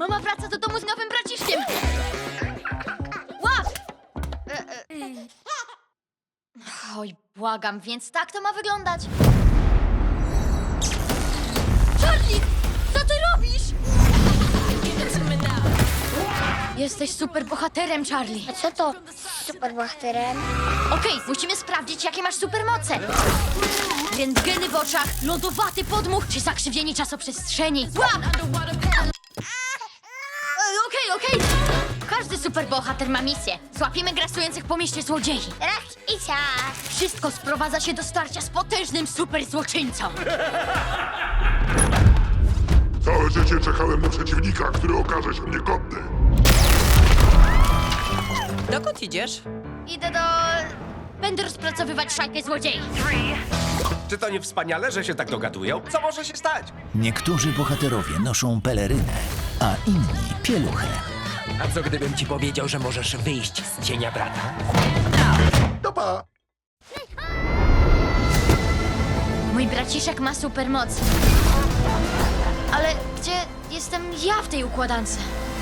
Mama wraca do domu z nowym braciszkiem! Łap! Oj, błagam, więc tak to ma wyglądać. Charlie! Co ty robisz? Jesteś superbohaterem, Charlie. A co to z superbohaterem? Okej, musimy sprawdzić, jakie masz supermoce. Rentgeny w oczach, lodowaty podmuch czy zakrzywienie czasoprzestrzeni. Łap! Okej. Każdy superbohater ma misję. Złapiemy grasujących po mieście złodziei. Raz i ciach. Wszystko sprowadza się do starcia z potężnym superzłoczyńcą. Całe życie czekałem na przeciwnika, który okaże się mnie godny. Dokąd idziesz? Idę do... Będę rozpracowywać szajkę złodziei. Czy to nie wspaniale, że się tak dogadują? Co może się stać? Niektórzy bohaterowie noszą pelerynę, a inni pieluchę. A co gdybym ci powiedział, że możesz wyjść z cienia brata? Dopa! Mój braciszek ma supermoc. Ale gdzie jestem ja w tej układance?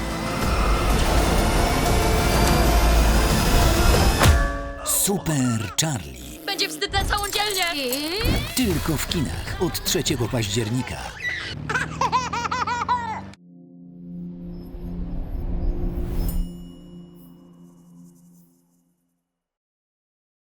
Super Charlie. Będzie wstyd na całą dzielnię! Tylko w kinach od 3 października.